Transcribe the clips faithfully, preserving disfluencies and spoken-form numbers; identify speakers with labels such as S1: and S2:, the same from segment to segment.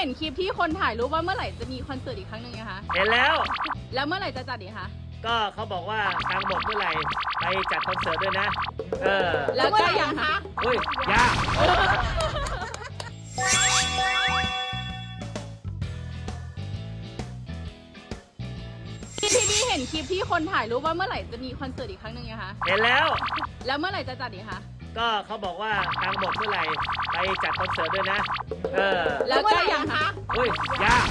S1: ห็นคลิปที่คนถ่ายรูปว่าเมื่อไหร่จะมีคอนเสิร์ตอีกครั้งหนึ่งนะคะ
S2: เห็นแล้ว
S1: แล้วเมื่อไหร่จะจัดอีกคะ
S2: ก็เขาบอกว่าทางบทเมื่อไหร่ไปจัดคอนเสิร์ตด้วยนะ เออ
S1: แล้วก็ยังคะ
S2: เฮ้ยยาก
S1: พี่พี่เห็นคลิปที่คนถ่ายรูปว่าเมื่อไหร่จะมีคอนเสิร์ตอีกครั้งหนึ่งนะคะ
S2: เห็นแล้ว
S1: แล้วเมื่อไหร่จะจัดอีกคะ
S2: ก็เขาบอกว่าทางบทเมื่อไหร่ไปจัดคอนเสิร์ตด้วยนะ เออ
S1: แล้วก็ยังคะ
S2: เฮ้ยยาก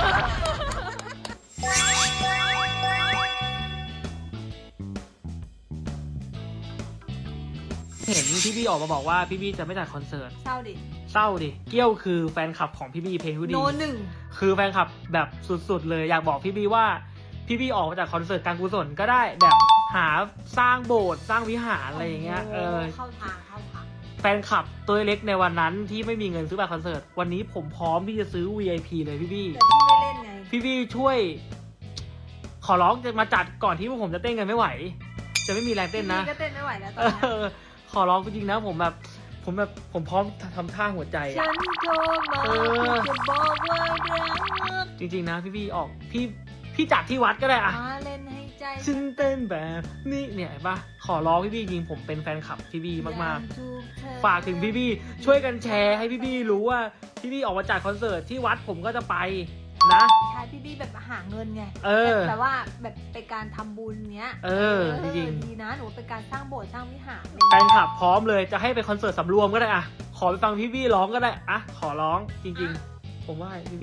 S3: เห็นพี่บี้ออกมาบอกว่าพี่บี้จะไม่จัดคอนเสิร์ต
S4: เศร้าดิ
S3: เศร้าดิเกี้ยวคือแฟนคลับของพี่บี้เพลงผู้ดี
S4: โนหนึ่ง
S3: คือแฟนคลับแบบสุดๆเลยอยากบอกพี่บี้ว่าพี่บี้ออกมาจากคอนเสิร์ตการกุศลก็ได้แบบหาสร้างโบสถ์สร้างวิหารอะไรอย่างเงี้ยเออ
S4: เข้าทางเข้าทาง
S3: แฟนคลับตัวเล็กในวันนั้นที่ไม่มีเงินซื้อบัตรคอนเสิร์ตวันนี้ผมพร้อมที่จะซื้อ วี ไอ พี เลยพี่บี้
S4: แต่พี่ไม่เล่นไง
S3: พี่บี้ช่วย ขอร้องจะมาจัดก่อนที่พวกผมจะเต้นกันไม่ไหว จะไม่มีแรงเต้นนะ
S4: พี่ก็เต้นไม่ไหวแล้วตอ
S3: เอน
S4: นี้
S3: อขอร้องจริงๆนะผมแบบผมแบบผมพร้อมทำท่าหัวใจ
S4: ฉั
S3: อะ
S4: นโทรมา
S3: เออ
S4: จะบอกว่ารัก
S3: จริงๆนะพี่บี้ออกพี่พี่จัดที่วัดก็ได้อะ
S4: มาเล่นให้ใจ
S3: ฉันเต้นแบบนี่เนี่ยเห็นปะขอร้องพี่บี้จริงผมเป็นแฟนคลับพี่บี้มากๆ ฝากถึงพี่บี้ช่วยกันแชร์ให้พี่บี้รู้ว่าพี่บี้ออกมาจัดคอนเสิร์ตที่วัดผมก็จะไปนะ
S4: ใช่พี่บี้แบบหาเงินไง
S3: เออ
S4: แบบว่าแบบเป็นการทำบุญเนี้ย
S3: เออจริง
S4: ดีนะหนูเป็นการสร้างโบสถ์สร้างวิหาร
S3: แฟนคลับพร้อมเลยจะให้ไปคอนเสิร์ตสำรวมก็ได้อะขอไปฟังพี่บี้ร้องก็ได้อะขอร้องจริง ๆ ผมว่าพี่บี้